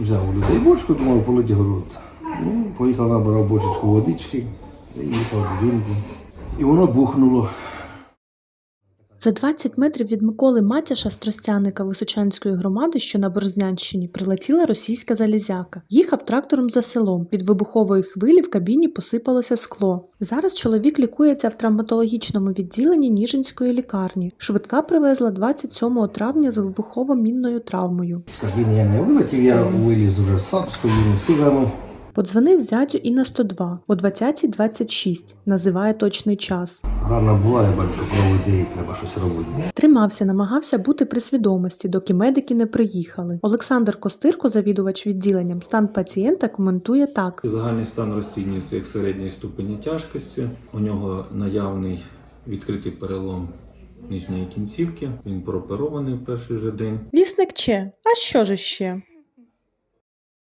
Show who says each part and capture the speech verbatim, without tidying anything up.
Speaker 1: взяв у людей бочку, думав, полить город. Ну, поїхав, набирав бочечку водички, і їхав будинку. І воно бухнуло.
Speaker 2: За двадцять метрів від Миколи Матяша з Тростяника Височанської громади, що на Борзнянщині, прилетіла російська залізяка. Їхав трактором за селом. Від вибухової хвилі в кабіні посипалося скло. Зараз чоловік лікується в травматологічному відділенні Ніжинської лікарні. Швидка привезла двадцять сьомого травня з вибухово-мінною травмою.
Speaker 1: З кабіни я не вилетів, я виліз уже сам з своїми силами.
Speaker 2: Подзвонив зятю і на сто два о двадцятій двадцять шість, називає точний час.
Speaker 1: Рана була, я бачу, що кров іде і треба щось робити.
Speaker 2: Тримався, намагався бути при свідомості, доки медики не приїхали. Олександр Костирко, завідувач відділенням, стан пацієнта коментує так.
Speaker 3: Загальний стан розцінюється як середньої ступені тяжкості. У нього наявний відкритий перелом нижньої кінцівки. Він прооперований в перший же день.
Speaker 2: Вісник Че. А що ж ще?